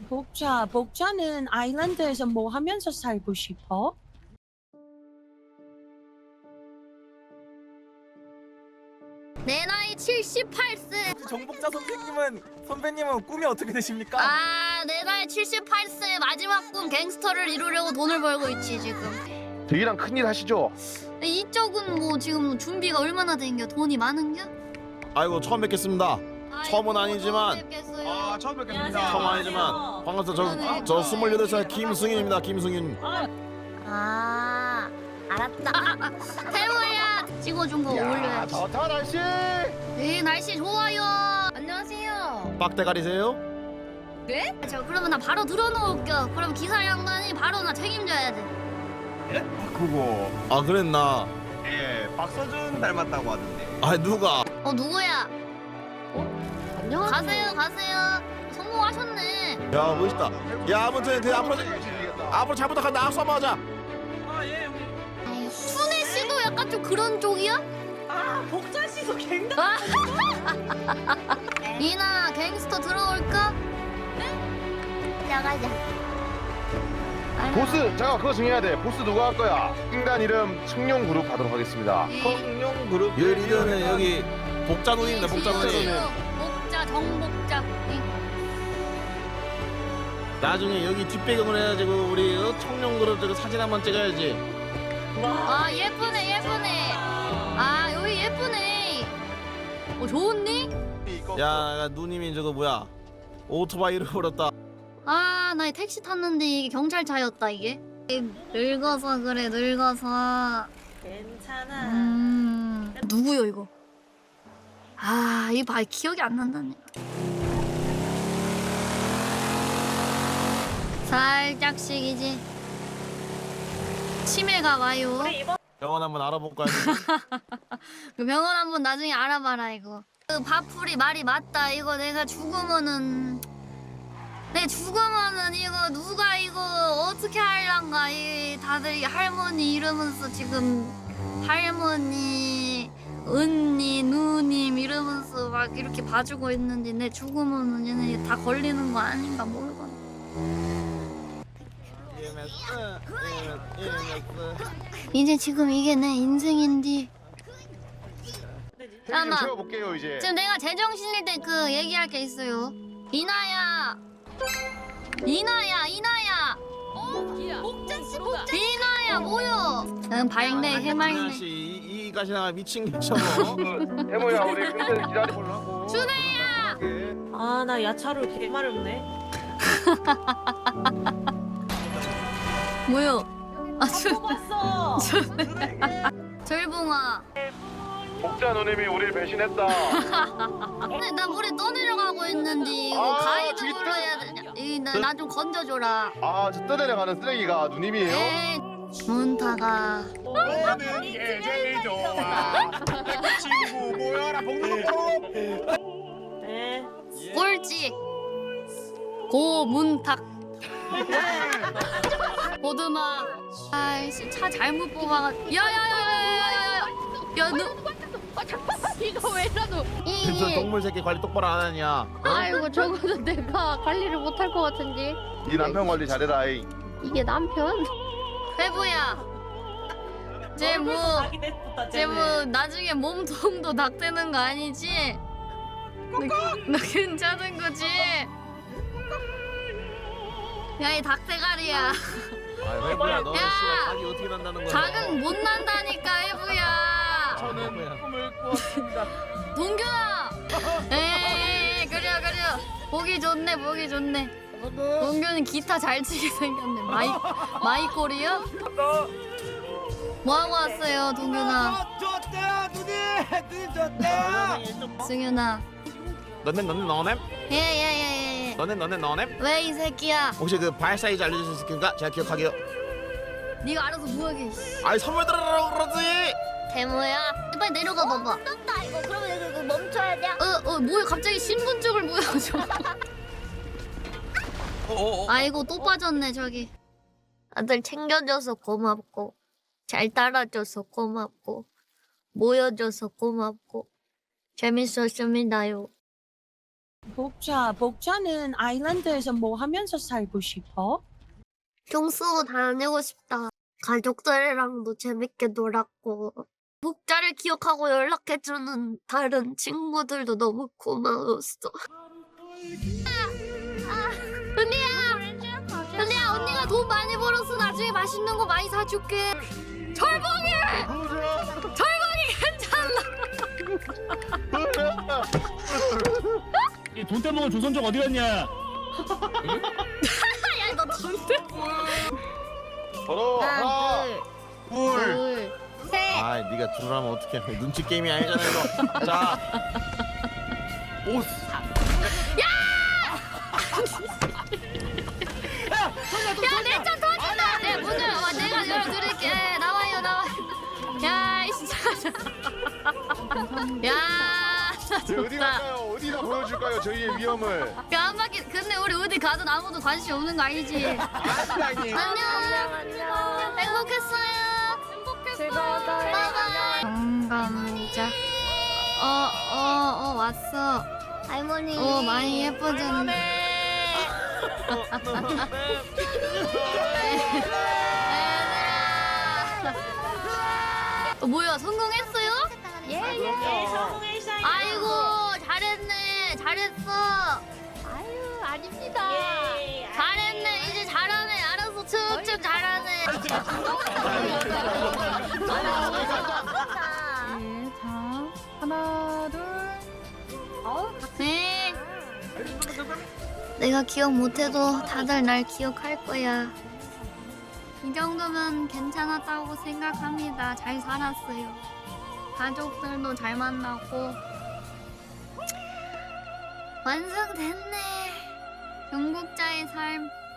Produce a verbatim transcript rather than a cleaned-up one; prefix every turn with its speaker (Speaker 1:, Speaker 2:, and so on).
Speaker 1: 복자, 복자는 아일랜드에서 뭐 하면서 살고 싶어?
Speaker 2: 내 나이 칠십팔 세.
Speaker 3: 정복자 선생님은 선배님은 꿈이 어떻게 되십니까?
Speaker 2: 아, 내 나이 칠십팔 세 마지막 꿈 갱스터를 이루려고 돈을 벌고 있지 지금.
Speaker 4: 되기랑 큰일 하시죠?
Speaker 2: 이쪽은 뭐 지금 준비가 얼마나 된겨? 돈이 많은겨?
Speaker 5: 아이고 처음 뵙겠습니다. 처음은 아니지만
Speaker 2: 아,
Speaker 4: 처음
Speaker 5: 처음 아니지만 반갑습니다. 저, 저 스물여덟 살 김승윤입니다. 김승윤.
Speaker 2: 아, 알았다. 태호야, 찍어준 거 올려야지.
Speaker 4: 좋다 날씨.
Speaker 2: 네, 날씨 좋아요. 안녕하세요.
Speaker 5: 빡대가리세요?
Speaker 2: 네? 저 그러면 나 바로 들어놓을게요. 그럼 기사 양반이 바로 나 책임져야 돼.
Speaker 4: 그거
Speaker 5: 아 그랬나?
Speaker 4: 예 박서준 닮았다고 하던데.
Speaker 5: 아 누가?
Speaker 2: 어, 누구야? 안녕하세요. 가세요, 가세요. 성공하셨네.
Speaker 5: 야 멋있다. 야 아무튼 그 앞으로 앞으로 잘 부탁한다. 악수 한번 하자.
Speaker 2: 순애 씨도 약간 좀 그런 쪽이야?
Speaker 1: 아, 복자 씨도 굉장히
Speaker 2: 이나 갱스터 들어올까? 나가자.
Speaker 4: 보스 잠깐 그거 정해야 돼. 보스 누가 할 거야? 인간 이름 청룡 그룹 하도록 하겠습니다.
Speaker 3: 성룡 그룹
Speaker 5: 여 리더는 여기 복자 누님입니다. 복자 누님.
Speaker 2: 복자 정복자.
Speaker 5: 나중에 여기 뒷배경을 해가지고 우리 어, 청룡그룹 저거 사진 한번 찍어야지.
Speaker 2: 아, 예쁘네, 예쁘네. 아, 여기 예쁘네. 어, 좋은데?
Speaker 5: 야 누님이 저거 뭐야? 오토바이를 버렸다.
Speaker 2: 아, 나 택시 탔는데 이게 경찰차였다 이게. 늙어서 그래, 늙어서.
Speaker 1: 괜찮아.
Speaker 2: 음, 누구요 이거? 아, 이 봐, 기억이 안 난다네. 살짝씩 이제 치매가 와요.
Speaker 5: 병원 한번 알아볼까요?
Speaker 2: 그 병원 한번 나중에 알아봐라 이거. 그 밥풀이 말이 맞다. 이거 내가 죽으면은 내 죽으면은 이거 누가 이거 어떻게 할란가. 이 다들 이 할머니 이러면서 지금 할머니 언니 누님 이러면서 막 이렇게 봐주고 있는데 내 죽으면은 얘네 다 걸리는 거 아닌가 모르겠네. 이제 지금 이게 내 인생인데.
Speaker 4: 좀
Speaker 2: 잠깐만.
Speaker 4: 채워볼게요 이제.
Speaker 2: 지금 내가 제정신일 때 그 얘기할 게 있어요. 이나야, 이나야, 이나야.
Speaker 1: 복자씨, 복자.
Speaker 2: 이나야 뭐여? 응, 발매 해맑네.
Speaker 5: 씨, 이, 이 가시나 미친 개처럼.
Speaker 4: 해모야 우리 근데 기다려보려고.
Speaker 2: 준혜야.
Speaker 1: 아, 나 야차로 개 마렵네.
Speaker 2: 뭐요? 아, 준,
Speaker 1: 뽑았어.
Speaker 2: 절봉아.
Speaker 4: 복자 누님이 우리를 배신했다.
Speaker 2: 근데 나 물에 떠내려가고 있는데 이거
Speaker 4: 아,
Speaker 2: 가이드
Speaker 4: 저기
Speaker 2: 불러야 되냐? 나 좀 건져줘라.
Speaker 4: 아저 떠내려가는 쓰레기가 누님이에요?
Speaker 2: 에이, 문타가.
Speaker 4: 너는 게 제일 좋아. 친구 모여라 복록.
Speaker 1: 네.
Speaker 2: 꼴찌 고문탁. 보드마. 아이씨, 차 잘못 뽑아가. 야야야야야야야. 야 너.
Speaker 6: 이거 왜 이러노?
Speaker 5: 저 동물 새끼 관리 똑바로 안 하냐? 어?
Speaker 6: 아이고 저거는 내가 관리를 못할 것 같은데.
Speaker 4: 네 남편 관리 잘해라. 이.
Speaker 6: 이게 남편?
Speaker 2: 회부야. 쟤뭐
Speaker 1: 자기 됐다,
Speaker 2: 쟤 뭐 나중에 몸통도 낙되는 거 아니지? 너, 너 괜찮은 거지? 야, 이 닭대가리야.
Speaker 5: 아 회부야 너
Speaker 2: 야!
Speaker 5: 씨발 자기 어떻게 난다는 거야?
Speaker 2: 작은 못 난다니까, 회부야.
Speaker 5: 저는
Speaker 4: 꿈을 꾸었습니다.
Speaker 2: 동규야. 에이, 그래 그래. 보기 좋네, 보기 좋네. 동규는 기타 잘 치게 생겼네. 마이 마이콜이요? 뭐 하고 왔어요, 동규나?
Speaker 3: 좋대요 누님 누님 좋대요.
Speaker 2: 승윤아.
Speaker 5: 너넨 너넨 너넨
Speaker 2: 예예예예.
Speaker 5: 너넨 너넨 너넨
Speaker 2: 왜 이 새끼야?
Speaker 5: 혹시 그 발 사이즈 알려줄 수 있을까? 제가 기억하게요.
Speaker 2: 네가 알아서 뭐하게.
Speaker 5: 아이 선물 들으라고 그러지.
Speaker 2: 대모야. 빨리 내려가 봐봐.
Speaker 6: 떴다 이거. 그러면 이거, 이거 멈춰야 돼.
Speaker 2: 어, 어, 뭐야 갑자기 신분증을 보여줘.
Speaker 5: 어어.
Speaker 2: 아이고 또 빠졌네 저기. 아들 챙겨줘서 고맙고 잘 따라줘서 고맙고 모여줘서 고맙고 재밌었습니다요.
Speaker 1: 복자, 복자는 아일랜드에서 뭐 하면서 살고 싶어?
Speaker 2: 경수 다니고 싶다. 가족들이랑도 재밌게 놀았고 복자를 기억하고 연락해주는 다른 친구들도 너무 고마웠어. 아, 아, 은리야! 은리야 언니가 돈 많이 벌었어. 나중에 맛있는 거 많이 사줄게. 철봉이! 철봉이 괜찮아.
Speaker 7: 돈 떼먹은 조선족 어디 갔냐?
Speaker 2: 야 너 돈 떼.
Speaker 4: 서로 하나, 둘.
Speaker 6: 둘, 셋.
Speaker 5: 아, 네가 들어라면 어떡해? 눈치 게임이 아니잖아 이거. 자, 보스.
Speaker 2: 야, 내 차 터진다! 네, 문을, 와, 내가 열어드릴게. 네, 나와요, 나와요. 야, 이 진짜. 야, 나
Speaker 4: 네, 어디
Speaker 2: 진짜.
Speaker 4: 갈까요? 어디다 보여줄까요? 저희의 위험을.
Speaker 2: 야, 한 바퀴, 근데 우리 어디 가든 아무도 관심 없는 거 아니지?
Speaker 4: 아니,
Speaker 2: 안녕. 행복했어요.
Speaker 6: 즐거웠어요.
Speaker 2: 바이바이. 경감자. 어, 어, 어, 왔어.
Speaker 6: 할머니.
Speaker 2: 어, 많이 예뻐졌네. 어, 뭐야, 성공했어요?
Speaker 6: 예, 예. 성공했어요.
Speaker 2: 아이고, 잘했네. 잘했어.
Speaker 6: 아유, 아닙니다.
Speaker 2: 잘했네. 이제 잘하네. 알아서 쭉쭉 잘하네.
Speaker 1: 네, 자, 하나, 둘.
Speaker 2: 네. 내가 기억 못해도 다들 날 기억할 거야. 이 정도면 괜찮았다고 생각합니다. 잘 살았어요. 가족들도 잘 만나고 완성됐네. 경국자의 삶.